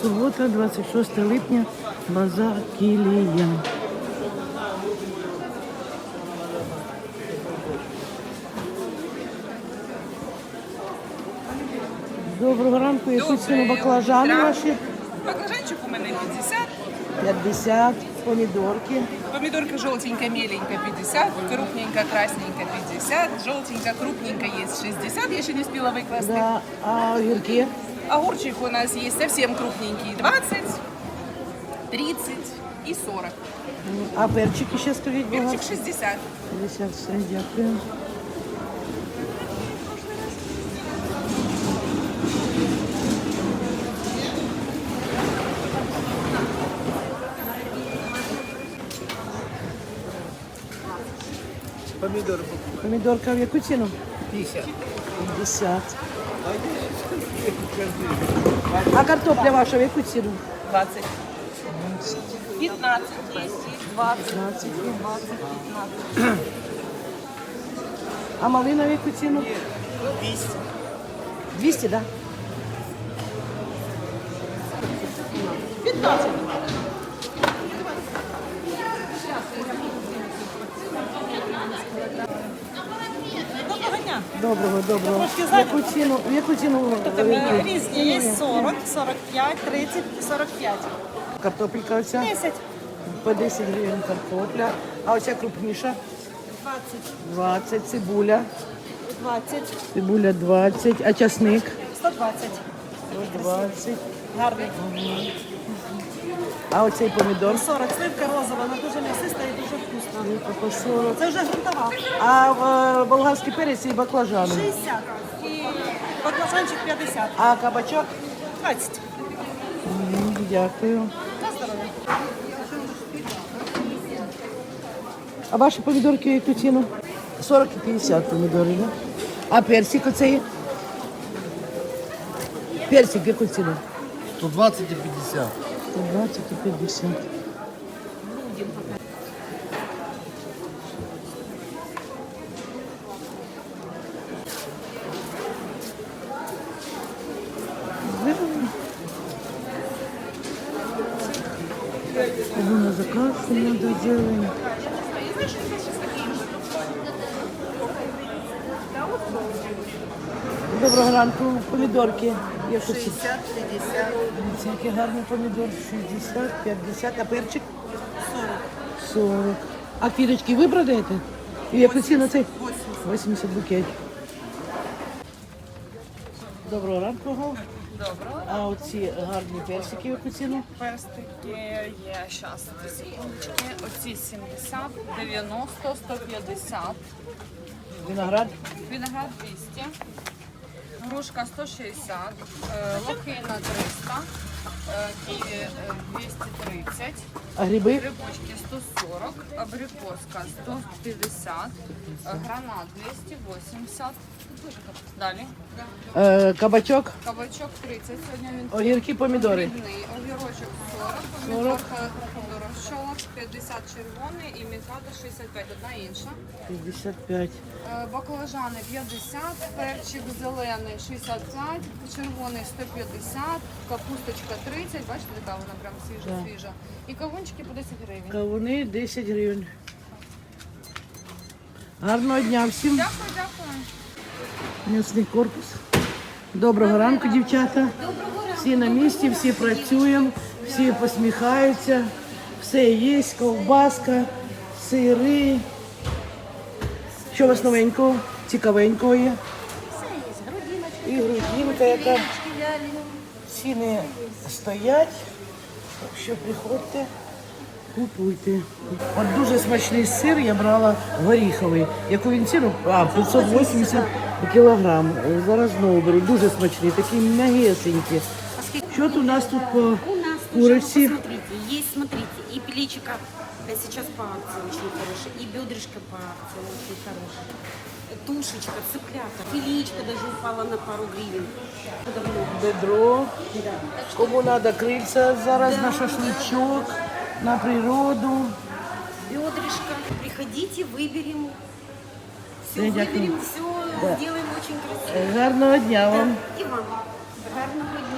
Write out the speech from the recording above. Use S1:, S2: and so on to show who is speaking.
S1: Субота, 26 липня, базар Кілія. Доброго ранку, яку ціну баклажани ваші?
S2: Баклажанчик у мене 50.
S1: 50, помідорки.
S2: Помидорка желтенькая, меленькая 50, крупненькая, красненькая 50, желтенькая, крупненькая есть 60, я еще не успела выкласть.
S1: Да, а огірки?
S2: Огурчик у нас есть совсем крупненький 20, 30 и 40.
S1: А перчики ще скажіть, будь ласка?
S2: Перчик 60.
S1: 50, все, дякую.
S3: Помидор
S1: Помідорка в яку ціну?
S3: 50.
S1: 50. А картопля ваша в яку ціну?
S2: 20. 15 есть, 20.
S1: 15.
S2: 20, 15.
S1: А малина в яку ціну?
S3: 200.
S1: 200, да?
S2: 15. Доброго дня.
S1: Доброго. В яку ціну?
S4: Різні є 40, 45, 30, 45.
S1: Картопелька оця?
S4: 10,
S1: По 10 гривень картопля. А оця крупніша?
S4: 20,
S1: 20. Цибуля.
S4: 20,
S1: Цибуля 20. А часник?
S4: 120.
S1: 20.
S4: Гарний.
S1: А оцей помідор?
S4: 40. Сливка розова, вона дуже м'ясиста і дуже вкусна.
S1: По 40.
S4: Це вже грунтова.
S1: А болгарський перець і баклажани?
S4: 60. І баклажанчик 50.
S1: А кабачок?
S4: 20.
S1: Дякую.
S4: На здоров'я.
S1: А ваші помідорки в яку ціну? 40 і 50 помідори, да? А персик оцей? Персик в яку ціну?
S3: 120 и 50.
S1: 120 і 50. Кому на заказ надо делаем. Доброго ранку. Помідорки. 60, 50. Який гарний помідор. 60, 50. А перчик? 40. 40. А квіточки ви продаєте? І яку ціну цей? 80 букет. Доброго ранку.
S2: Доброго.
S1: А оці гарні персики, яку ціну?
S2: Перстики є, зараз, секундочки, оці 70, 90, 150,
S1: Виноград?
S2: виноград 200, грушка 160, лохина 300, ківі 230,
S1: А гриби?
S2: грибочки 140, абрикоска 150, гранат 280, далі,
S1: Кабачок?
S2: кабачок 30, сьогодні він
S1: Огірки, помідори?
S2: дрібний, огірочок 40,
S1: 40.
S2: помідорка подорожчала, 50 червоний і мікада 65, одна інша.
S1: 55.
S2: Баклажани 50, перчик зелений 65, червоний 150, капусточка 30, бачите, така вона прям свіжа. І кавунчики по 10 гривень.
S1: Кавуни 10 гривень. Гарного дня всім.
S2: Дякую.
S1: М'ясний корпус. Доброго ранку, дівчата. Всі на місці, всі працюємо, всі посміхаються. Все є, ковбаска, сири. Що у вас новенького, цікавенького є? І грудинка, яка ціни стоять. Так що приходьте, купуйте. От дуже смачний сир я брала горіховий. Яку він ціну? 580 кілограм. Зараз знову беру. Дуже смачний, такий м'ягесенький. Що тут у нас тут по
S5: У нас
S1: куриці?
S5: смотрите, есть, смотрите, и плечика сейчас по акции очень хорошая, и бедрышко по акции очень хорошая, тушечка, цыплята, филеечка даже упала на пару гривен.
S1: Бедро. Кому треба крильця зараз на шашличок, на природу.
S5: Бедрышко, приходите, выберем. Все
S1: Я дякую.
S5: выберем, все сделаем очень красиво.
S1: Гарного дня вам.
S5: И вам. Гарного дня.